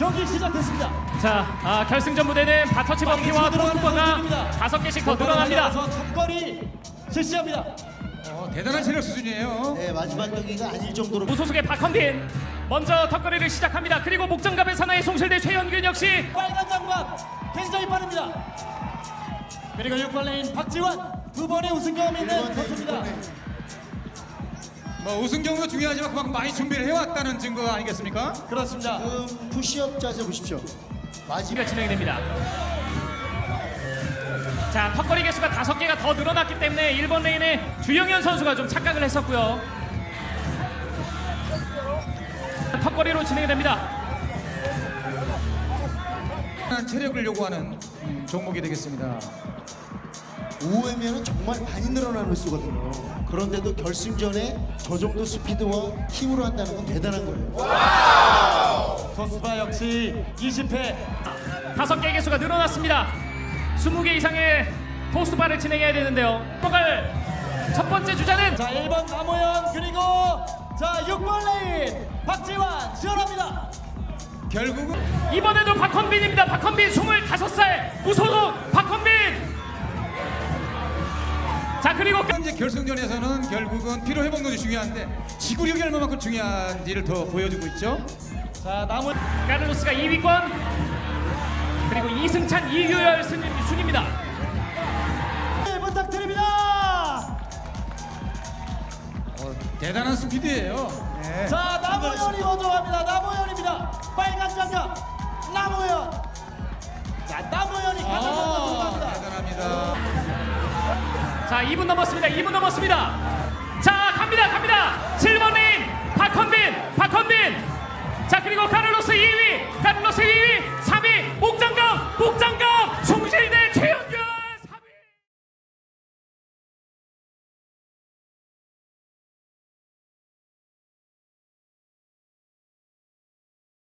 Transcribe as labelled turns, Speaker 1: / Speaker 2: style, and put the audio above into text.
Speaker 1: 경기 시작됐습니다.
Speaker 2: 자, 결승전 무대는 바터치 범피와 토스트버가 5개씩 더 늘어납니다.
Speaker 1: 턱걸이 실시합니다.
Speaker 3: 대단한 체력 수준이에요.
Speaker 4: 네, 마지막 경기가 아닐 정도로
Speaker 2: 무소속의 박헌빈 먼저 턱걸이를 시작합니다. 그리고 목장갑의 사나이 송실대 최현균 역시
Speaker 1: 빨간 장갑 굉장히 빠릅니다. 그리고 6번 레인 박지원 두 번의 우승 경험이 있는 선수입니다.
Speaker 3: 뭐 우승 경우도 중요하지만 그만큼 많이 준비를 해왔다는 증거 아니겠습니까?
Speaker 1: 그렇습니다.
Speaker 4: 지금 푸시업 자세 보십시오. 마지막
Speaker 2: 경기가 진행이 됩니다. 자, 턱걸이 개수가 5개가 더 늘어났기 때문에 1번 레인의 주영현 선수가 좀 착각을 했었고요. 턱걸이로 진행이 됩니다.
Speaker 3: 대단한 체력을 요구하는 종목이 되겠습니다.
Speaker 4: 5회면은 정말 많이 늘어나는 수거든요. 그런데도 결승전에 저 정도 스피드와 힘으로 한다는 건 대단한 거예요.
Speaker 1: 토스바 역시 20회
Speaker 2: 5개 개수가 늘어났습니다. 20개 이상의 토스트바를 진행해야 되는데요. 들어갈 첫 번째 주자는
Speaker 1: 자 1번 남호연 그리고 자 6번 레인 박지원 시원합니다.
Speaker 3: 결국은
Speaker 2: 이번에도 박헌빈입니다. 박헌빈 25살 무소속 박헌빈. 자, 그리고
Speaker 3: 현재 결승전에서는 결국은 피로 회복력이 중요한데 지구력이 얼마만큼 중요한지를 더 보여주고 있죠.
Speaker 1: 자 남은
Speaker 2: 카를로스가 2위권 그리고 이승찬 이유열 순입니다.
Speaker 1: 네, 부탁드립니다.
Speaker 3: 대단한 스피드예요. 네.
Speaker 1: 자 남호연이 먼저 갑니다. 남호연입니다. 빨간 장갑 남호연. 자 남호연이 가장 먼저 들어갑니다.
Speaker 3: 대단합니다.
Speaker 2: 자, 2분 넘었습니다. 2분 넘었습니다. 자, 갑니다. 7번